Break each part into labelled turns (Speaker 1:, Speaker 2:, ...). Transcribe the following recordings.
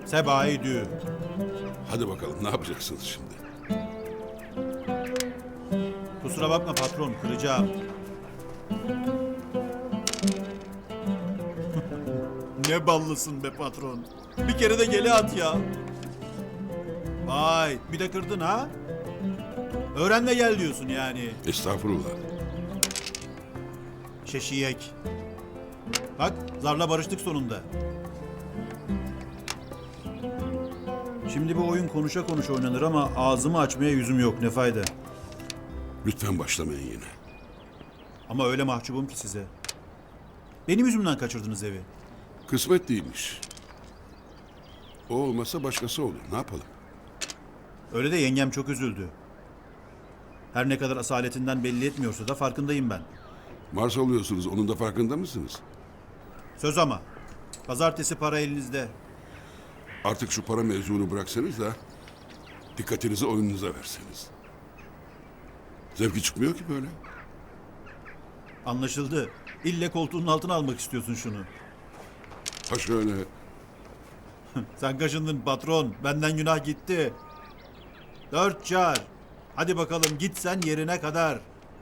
Speaker 1: Sebai dü.
Speaker 2: Hadi bakalım ne yapacaksınız şimdi?
Speaker 1: Kusura bakma patron, kıracağım. Ne ballısın be patron. Bir kere de gele at ya. Vay, bir de kırdın ha? Öğren de gel diyorsun yani.
Speaker 2: Estağfurullah.
Speaker 1: Şeşiyek. Bak, zarla barıştık sonunda. Şimdi bu oyun konuşa konuşa oynanır ama ağzımı açmaya yüzüm yok, ne fayda.
Speaker 2: Lütfen başlamayın yine.
Speaker 1: Ama öyle mahcubum ki size. Benim yüzümden kaçırdınız evi.
Speaker 2: Kısmet değilmiş. O olmasa başkası olur. Ne yapalım?
Speaker 1: Öyle de yengem çok üzüldü. Her ne kadar asaletinden belli etmiyorsa da farkındayım ben.
Speaker 2: Mars oluyorsunuz. Onun da farkında mısınız?
Speaker 1: Söz ama. Pazartesi para elinizde.
Speaker 2: Artık şu para mevzunu bıraksanız da dikkatinizi oyununuza verseniz. Zevki çıkmıyor ki böyle.
Speaker 1: Anlaşıldı. İlle koltuğunun altına almak istiyorsun şunu.
Speaker 2: Ha şöyle.
Speaker 1: Sen kaşındın patron. Benden günah gitti. 4 çar. Hadi bakalım git sen yerine kadar.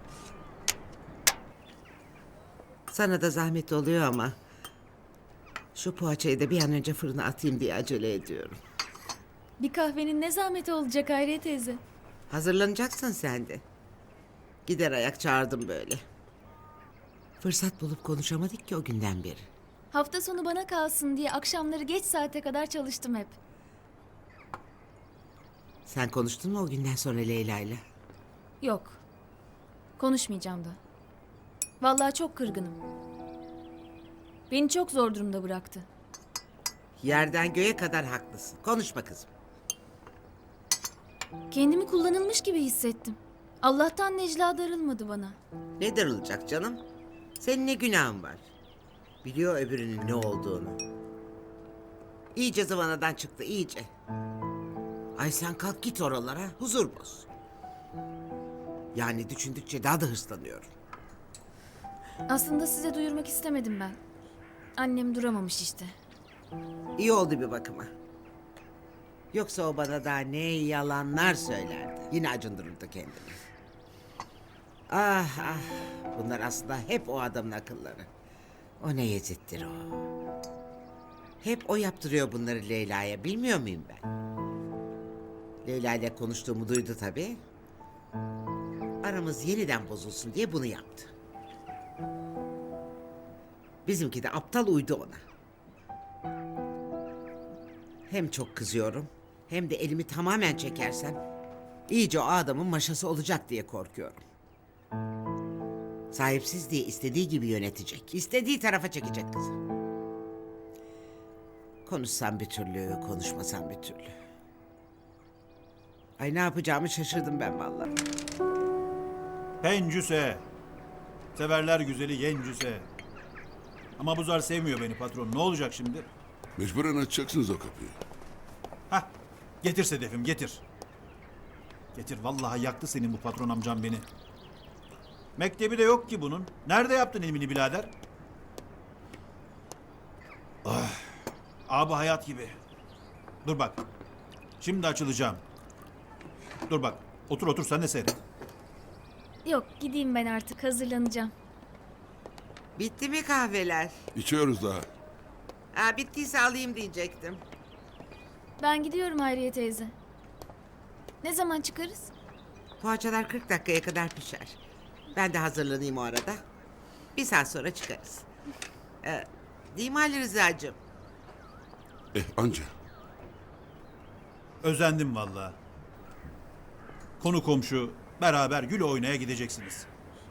Speaker 3: Sana da zahmet oluyor ama... ...şu poğaçayı da bir an önce fırına atayım diye acele ediyorum.
Speaker 4: Bir kahvenin ne zahmeti olacak Hayriye teyze?
Speaker 3: Hazırlanacaksın sen de. Gider ayak çağırdım böyle. Fırsat bulup konuşamadık ki o günden beri.
Speaker 4: Hafta sonu bana kalsın diye akşamları geç saate kadar çalıştım hep.
Speaker 3: Sen konuştun mu o günden sonra Leyla'yla?
Speaker 4: Yok. Konuşmayacağım da. Vallahi çok kırgınım. Beni çok zor durumda bıraktı.
Speaker 3: Yerden göğe kadar haklısın. Konuşma kızım.
Speaker 4: Kendimi kullanılmış gibi hissettim. Allah'tan Necla darılmadı bana.
Speaker 3: Ne darılacak canım? Senin ne günahın var? Biliyor öbürünün ne olduğunu. İyice zıvanadan çıktı, iyice. Ay sen kalk git oralara, huzur boz. Yani düşündükçe daha da hırslanıyorum.
Speaker 4: Aslında size duyurmak istemedim ben. Annem duramamış işte.
Speaker 3: İyi oldu bir bakıma. Yoksa o bana daha ne yalanlar söylerdi. Yine acındırırdı kendini. Ah ah, bunlar aslında hep o adamın akılları. O ne yezittir o. Hep o yaptırıyor bunları Leyla'ya, bilmiyor muyum ben? Leyla ile konuştuğumu duydu tabii. Aramız yeniden bozulsun diye bunu yaptı. Bizimki de aptal uydu ona. Hem çok kızıyorum, hem de elimi tamamen çekersem... ...iyice o adamın maşası olacak diye korkuyorum. Sahipsiz diye istediği gibi yönetecek. İstediği tarafa çekecek kızı. Konuşsam bir türlü, konuşmasam bir türlü. Ay ne yapacağımı şaşırdım ben vallahi.
Speaker 1: Pencüse. Severler güzeli gencüse. Ama bu zar sevmiyor beni patron. Ne olacak şimdi?
Speaker 2: Mecburen açacaksınız o kapıyı.
Speaker 1: Hah. Getir Sedef'im getir. Getir vallahi yaktı senin bu patron amcam beni. Mektebi de yok ki bunun. Nerede yaptın ilmini birader? Ah. Abi hayat gibi. Dur bak. Şimdi açılacağım. Dur bak. Otur otur sen de seyret.
Speaker 4: Yok gideyim ben artık hazırlanacağım.
Speaker 3: Bitti mi kahveler?
Speaker 2: İçiyoruz daha.
Speaker 3: Ha, bittiyse alayım diyecektim.
Speaker 4: Ben gidiyorum Hayriye teyze. Ne zaman çıkarız?
Speaker 3: Poğaçalar 40 dakikaya kadar pişer. Ben de hazırlanayım o arada. Bir saat sonra çıkarız. Değil mi Ali Rıza'cığım?
Speaker 2: Anca.
Speaker 1: Özendim vallahi. Konu komşu beraber gül oynaya gideceksiniz.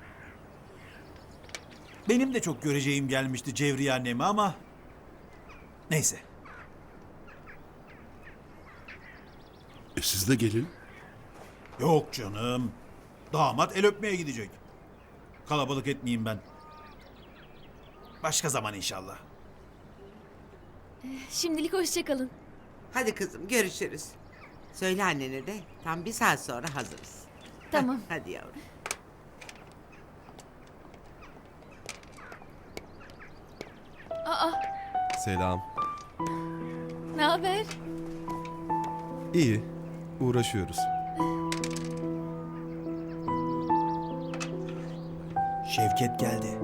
Speaker 1: Benim de çok göreceğim gelmişti Cevriye annemi ama... Neyse.
Speaker 2: Siz de gelin.
Speaker 1: Yok canım. Damat el öpmeye gidecek. Kalabalık etmeyeyim ben. Başka zaman inşallah.
Speaker 4: Şimdilik hoşça kalın.
Speaker 3: Hadi kızım görüşürüz. Söyle annene de tam bir saat sonra hazırız.
Speaker 4: Tamam.
Speaker 3: Hadi yavrum.
Speaker 4: Aa,
Speaker 5: Selam.
Speaker 4: ne haber?
Speaker 5: İyi. Uğraşıyoruz.
Speaker 1: Şevket geldi.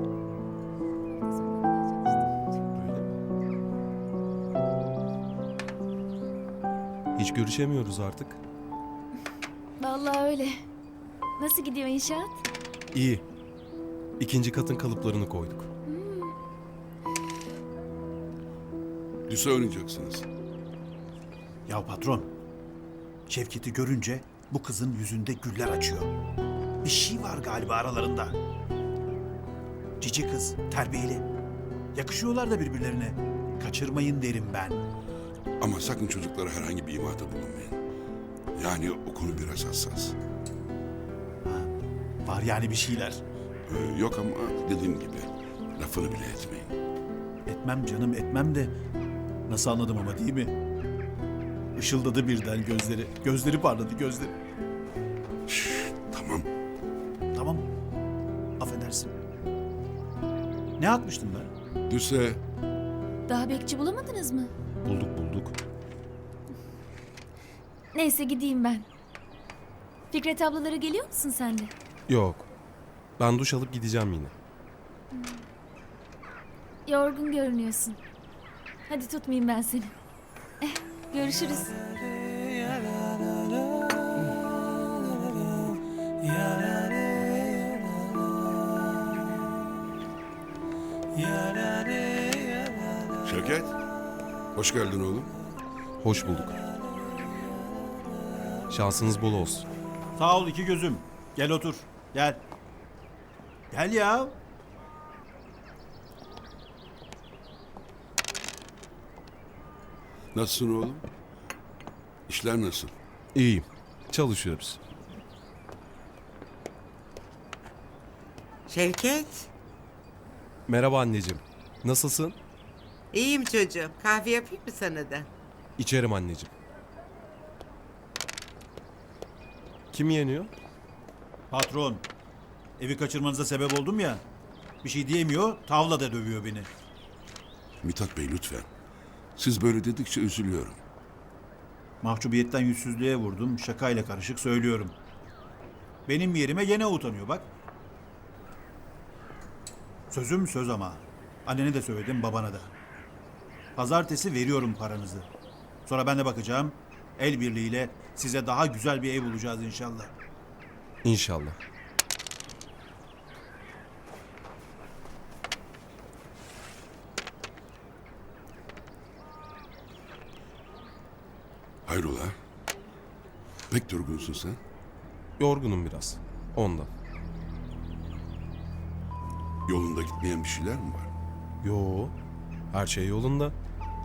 Speaker 5: Hiç görüşemiyoruz artık.
Speaker 4: Vallahi öyle. Nasıl gidiyor inşaat?
Speaker 5: İyi. İkinci katın kalıplarını koyduk.
Speaker 2: Lise oynayacaksınız.
Speaker 1: Ya patron, Şevket'i görünce bu kızın yüzünde güller açıyor. Bir şey var galiba aralarında. Cici kız, terbiyeli. Yakışıyorlar da birbirlerine. Kaçırmayın derim ben.
Speaker 2: Ama sakın çocuklara herhangi bir imada bulunmayın. Yani o konu biraz hassas.
Speaker 1: Var yani bir şeyler.
Speaker 2: Yok ama dediğim gibi lafını bile etmeyin.
Speaker 1: Etmem canım etmem de nasıl anladım ama değil mi? Işıldadı birden gözleri. Gözleri parladı gözleri.
Speaker 2: Tamam.
Speaker 1: Tamam. Affedersin. Ne atmıştım ben?
Speaker 2: Lise
Speaker 4: Daha bekçi bulamadınız mı?
Speaker 5: Bulduk.
Speaker 4: Neyse gideyim ben. Fikret ablaları geliyor musun sen de?
Speaker 5: Yok. Ben duş alıp gideceğim yine.
Speaker 4: Yorgun görünüyorsun. Hadi tutmayayım ben seni. Görüşürüz.
Speaker 2: Şevket. Hoş geldin oğlum.
Speaker 5: Hoş bulduk. Şansınız bol olsun.
Speaker 1: Sağ ol iki gözüm. Gel otur. Gel. Gel ya.
Speaker 2: Nasılsın oğlum? İşler nasıl?
Speaker 5: İyiyim. Çalışıyoruz.
Speaker 3: Şevket.
Speaker 5: Merhaba anneciğim. Nasılsın?
Speaker 3: İyiyim çocuğum. Kahve yapayım mı sana da?
Speaker 5: İçerim anneciğim. Kim yeniyor?
Speaker 1: Patron. Evi kaçırmanıza sebep oldum ya. Bir şey diyemiyor. Tavla da dövüyor beni.
Speaker 2: Mithat Bey lütfen. Siz böyle dedikçe üzülüyorum.
Speaker 1: Mahcubiyetten yüzsüzlüğe vurdum. Şakayla karışık söylüyorum. Benim yerime gene utanıyor bak. Sözüm söz ama. Annene de söyledim babana da. Pazartesi veriyorum paranızı. Sonra ben de bakacağım. El birliğiyle size daha güzel bir ev bulacağız inşallah.
Speaker 5: İnşallah.
Speaker 2: Hayrola? Pek durgunsun sen.
Speaker 5: Yorgunum biraz. Ondan.
Speaker 2: Yolunda gitmeyen bir şeyler mi var?
Speaker 5: Yo. Her şey yolunda.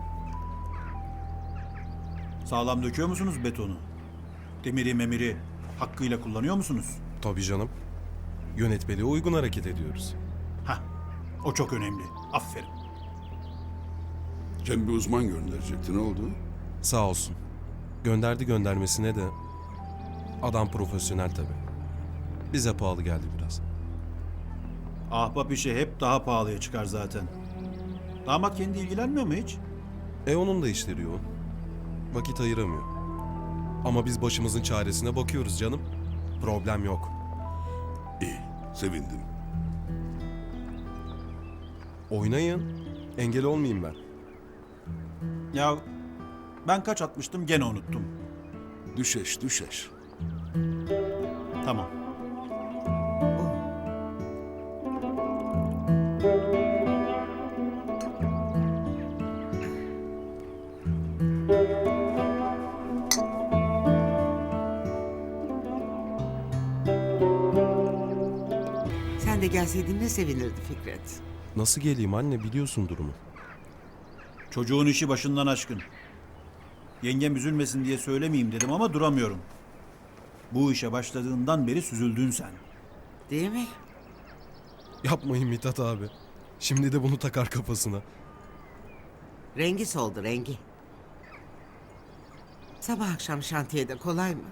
Speaker 1: Sağlam döküyor musunuz betonu? Demiri memiri hakkıyla kullanıyor musunuz?
Speaker 5: Tabii canım. Yönetmeliğe uygun hareket ediyoruz.
Speaker 1: Hah, o çok önemli. Aferin.
Speaker 2: Cem bir uzman gönderecekti. Ne oldu?
Speaker 5: Sağ olsun. Gönderdi göndermesine de adam profesyonel tabii. Bize pahalı geldi biraz.
Speaker 1: Ahbap işi hep daha pahalıya çıkar zaten. Damat kendi ilgilenmiyor mu hiç?
Speaker 5: Onun da işleri yoğun. Vakit ayıramıyor. Ama biz başımızın çaresine bakıyoruz canım. Problem yok.
Speaker 2: İyi. Sevindim.
Speaker 5: Oynayın. Engel olmayayım ben.
Speaker 1: Ya ben kaç atmıştım gene unuttum.
Speaker 2: Düşeş.
Speaker 1: Tamam.
Speaker 3: Sen de gelseydin ne sevinirdi Fikret.
Speaker 5: Nasıl geleyim anne, biliyorsun durumu.
Speaker 1: Çocuğun işi başından aşkın. Yengem üzülmesin diye söylemeyeyim dedim ama duramıyorum. Bu işe başladığından beri süzüldün sen.
Speaker 3: Değil mi?
Speaker 5: Yapmayın Mithat abi. Şimdi de bunu takar kafasına.
Speaker 3: Rengi soldu rengi. Sabah akşam şantiyede kolay mı?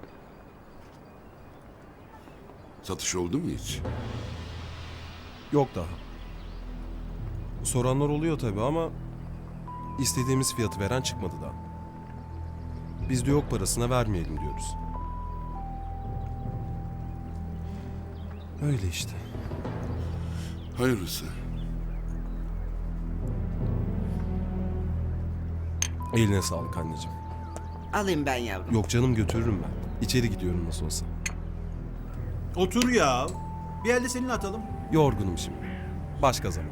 Speaker 2: Satış oldu mu hiç?
Speaker 5: Yok daha. Soranlar oluyor tabii ama istediğimiz fiyatı veren çıkmadı daha. Biz de yok parasına vermeyelim diyoruz. Öyle işte.
Speaker 2: Hayırlısı.
Speaker 5: Eline sağlık anneciğim.
Speaker 3: Alayım ben yavrum.
Speaker 5: Yok canım, götürürüm ben. İçeri gidiyorum nasıl olsa.
Speaker 1: Otur ya. Bir elde seninle atalım.
Speaker 5: Yorgunum şimdi. Başka zaman.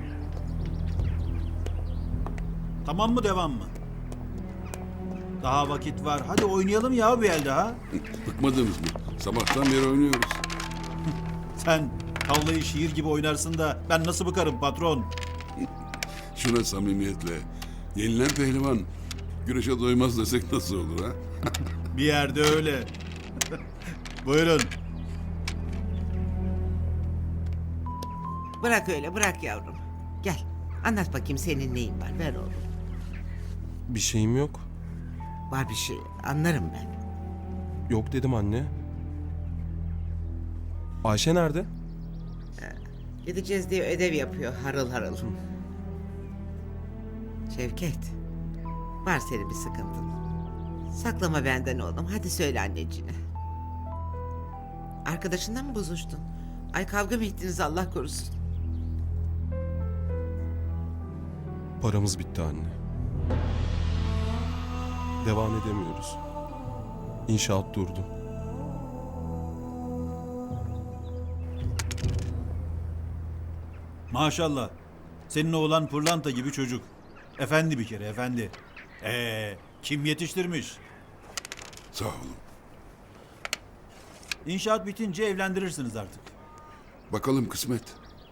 Speaker 1: Tamam mı devam mı? Daha vakit var. Hadi oynayalım ya bir el daha.
Speaker 2: Bıkmadınız mı? Sabahtan beri oynuyoruz.
Speaker 1: Sen tavlayı şiir gibi oynarsın da ben nasıl bıkarım patron?
Speaker 2: Şuna samimiyetle. Yenilen pehlivan güreşe doymaz desek nasıl olur ha?
Speaker 1: Bir yerde öyle. Buyurun.
Speaker 3: Bırak öyle bırak yavrum. Gel anlat bakayım senin neyin var ver oğlum.
Speaker 5: Bir şeyim yok.
Speaker 3: Var bir şey anlarım ben.
Speaker 5: Yok dedim anne. Ayşe nerede?
Speaker 3: Gideceğiz diye ödev yapıyor harıl harıl. Şevket. Var senin bir sıkıntın. Saklama benden oğlum. Hadi söyle anneciğine. Arkadaşınla mı bozuştun? Ay kavga mı ettiniz Allah korusun?
Speaker 5: Paramız bitti anne. Devam edemiyoruz. İnşaat durdu.
Speaker 1: Maşallah. Senin oğlan pırlanta gibi çocuk. Efendi bir kere efendi. Kim yetiştirmiş?
Speaker 2: Sağ olun.
Speaker 1: İnşaat bitince evlendirirsiniz artık.
Speaker 2: Bakalım kısmet.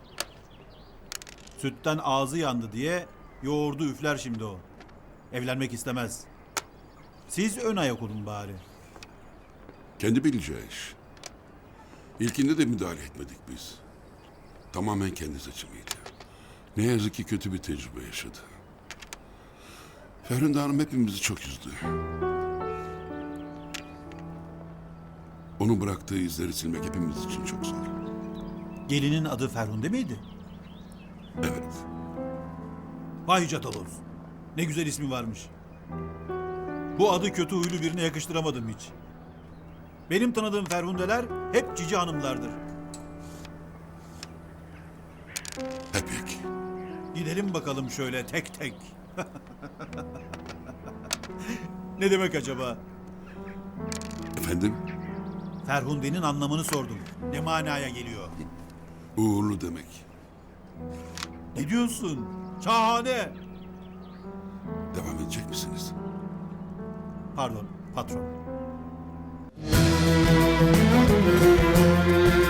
Speaker 1: Sütten ağzı yandı diye yoğurdu üfler şimdi o. Evlenmek istemez. Siz ön ayak olun bari.
Speaker 2: Kendi bileceği iş. İlkinde de müdahale etmedik biz. Tamamen kendi seçimiydi. Ne yazık ki kötü bir tecrübe yaşadı. Ferhunde Hanım hepimizi çok üzdü. Onun bıraktığı izleri silmek hepimiz için çok zor.
Speaker 1: Gelinin adı Ferhunde miydi?
Speaker 2: Evet.
Speaker 1: Vay Catalos. Ne güzel ismi varmış. Bu adı kötü huylu birine yakıştıramadım hiç. Benim tanıdığım Ferhundeler hep cici hanımlardır.
Speaker 2: Hep yek.
Speaker 1: Gidelim bakalım şöyle tek tek. Ne demek acaba?
Speaker 2: Efendim?
Speaker 1: Ferhunde'nin anlamını sordum. Ne manaya geliyor?
Speaker 2: Uğurlu demek.
Speaker 1: Ne diyorsun? Şahane.
Speaker 2: Devam edecek misiniz?
Speaker 1: Pardon, patron.